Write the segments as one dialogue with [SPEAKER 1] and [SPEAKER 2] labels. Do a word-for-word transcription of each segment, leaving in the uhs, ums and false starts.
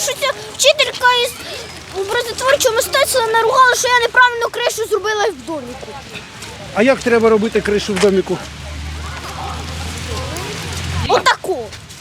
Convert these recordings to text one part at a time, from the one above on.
[SPEAKER 1] що ця вчителька із образотворчого мистецтва наругала, що я неправильно кришу зробила в доміку.
[SPEAKER 2] А як треба робити кришу в доміку?
[SPEAKER 1] Отаку.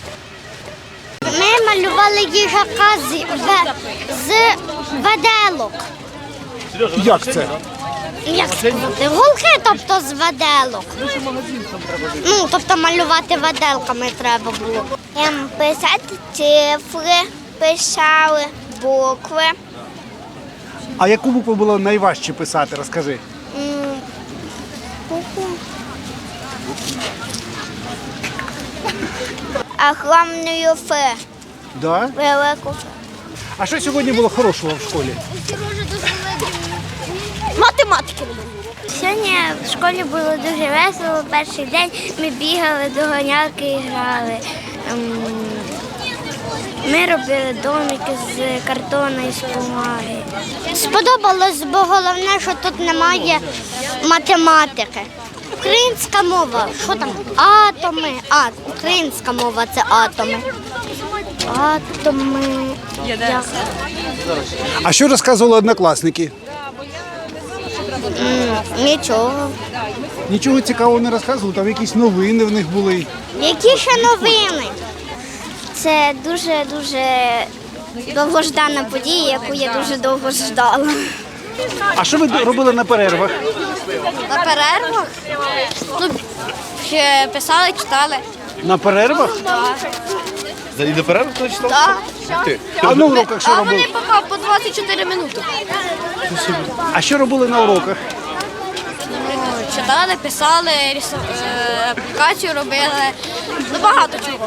[SPEAKER 3] Ми малювали їжака з, ве- з веделок.
[SPEAKER 2] Як це?
[SPEAKER 3] Як сказати? Голки, тобто з веделок. Ну, тобто малювати веделками треба було.
[SPEAKER 1] Ем, писати цифри, писали букви.
[SPEAKER 2] А яку букву було найважче писати, розкажи.
[SPEAKER 1] М, букву. Огромною Ф.
[SPEAKER 2] Да?
[SPEAKER 1] Велику Ф.
[SPEAKER 2] А що сьогодні було хорошого в школі?
[SPEAKER 1] Математики.
[SPEAKER 3] Сьогодні в школі було дуже весело. Перший день ми бігали, доганялки і грали. Ем, Ми робили домики з картону і з бумаги. Сподобалось, бо головне, що тут немає математики. Українська мова. Що там? Атоми. А, українська мова це атоми. Атоми. Як?
[SPEAKER 2] А що розказували однокласники?
[SPEAKER 3] М, Нічого.
[SPEAKER 2] Нічого цікавого не розказували, там якісь новини в них були.
[SPEAKER 3] Які ще новини? Це дуже-дуже довгождана подія, яку я дуже довго ждала.
[SPEAKER 2] А що ви робили на перервах?
[SPEAKER 3] На перервах? Ну, ще писали, читали.
[SPEAKER 2] На перервах?
[SPEAKER 4] За до перерви хто читав?
[SPEAKER 3] Так.
[SPEAKER 4] Ти.
[SPEAKER 2] А на уроках що робили?
[SPEAKER 3] поки по двадцять чотири минути.
[SPEAKER 2] А що робили на уроках?
[SPEAKER 3] Читали, писали, аплікацію робили. Ну, багато чого.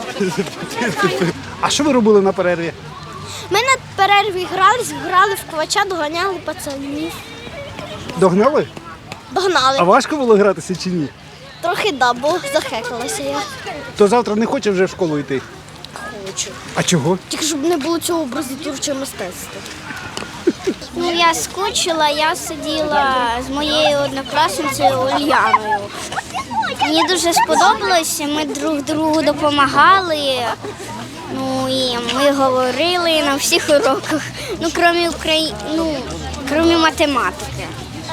[SPEAKER 2] А що ви робили на перерві?
[SPEAKER 1] Ми на перерві грались, грали в квача, доганяли пацанів.
[SPEAKER 2] Догнали?
[SPEAKER 1] Догнали.
[SPEAKER 2] А важко було гратися чи ні?
[SPEAKER 1] Трохи да, бо захекалася я.
[SPEAKER 2] То завтра не хоче вже в школу йти?
[SPEAKER 1] Хочу.
[SPEAKER 2] А чого?
[SPEAKER 1] Тільки щоб не було цього образотворчого мистецтва.
[SPEAKER 3] Ну, я скучила, я сиділа з моєю однокласницею Ульяною. Мені дуже сподобалося, ми друг другу допомагали. Ну і ми говорили на всіх уроках, ну крім Украї... ну, крім математики.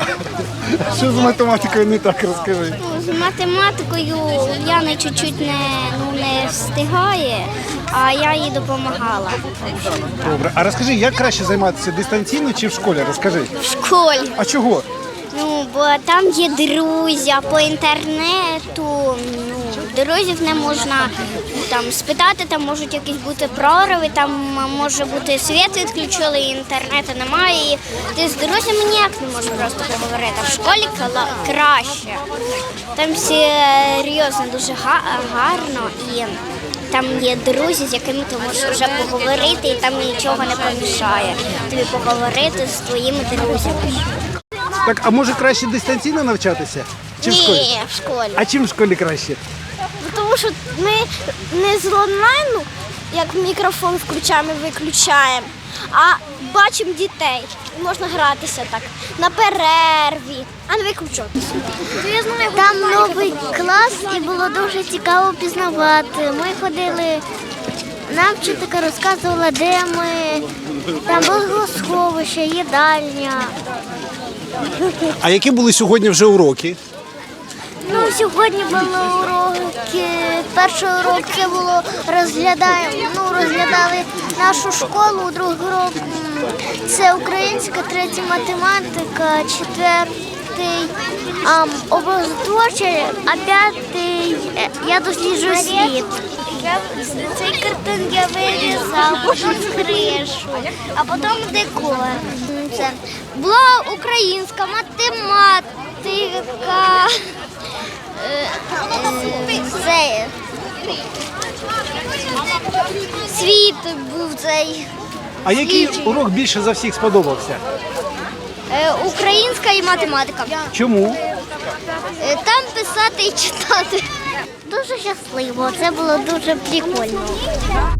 [SPEAKER 2] Що з математикою не так, розкажи.
[SPEAKER 3] Ну, з математикою Ульяна чуть-чуть не, ну, не встигає, а я їй допомагала.
[SPEAKER 2] Добре. А розкажи, як краще займатися дистанційно чи в школі? Розкажи.
[SPEAKER 3] В школі.
[SPEAKER 2] А чого?
[SPEAKER 3] Ну, бо там є друзі, а по інтернету ну, друзів не можна там спитати, там можуть якісь бути прориви, там може бути світ відключили, інтернету немає. І ти з друзями ніяк не можеш просто поговорити. А в школі кала- краще. Там серйозно дуже га- гарно і там є друзі, з якими ти можеш вже поговорити, і там нічого не помішає тобі поговорити з твоїми друзями.
[SPEAKER 2] Так, а може краще дистанційно навчатися? Чи в школі?
[SPEAKER 1] Ні, в школі.
[SPEAKER 2] А чим в школі краще?
[SPEAKER 1] Тому що ми не з онлайну, як мікрофон включаємо і виключаємо, а бачимо дітей. Можна гратися так на перерві, а не виключатися.
[SPEAKER 3] Там новий клас і було дуже цікаво пізнавати. Ми ходили, нам вчителька розказувала, де ми, там було сховище, їдальня.
[SPEAKER 2] А які були сьогодні вже уроки?
[SPEAKER 3] Ну, сьогодні були уроки. Перший урок це було розглядаємо, ну, розглядали нашу школу, другий урок м, це українська, третій математика, четвертий ам, образотворчий, а п'ятий е, я досліджую світ. Я, цей картин я вирізав, потім кришу, а потім декор. Це була українська математика. Е, е, Це світ був цей.
[SPEAKER 2] А який урок більше за всіх сподобався?
[SPEAKER 3] Е, Українська і математика.
[SPEAKER 2] Чому?
[SPEAKER 3] Е, Там писати і читати. Дуже щасливо, це було дуже прикольно.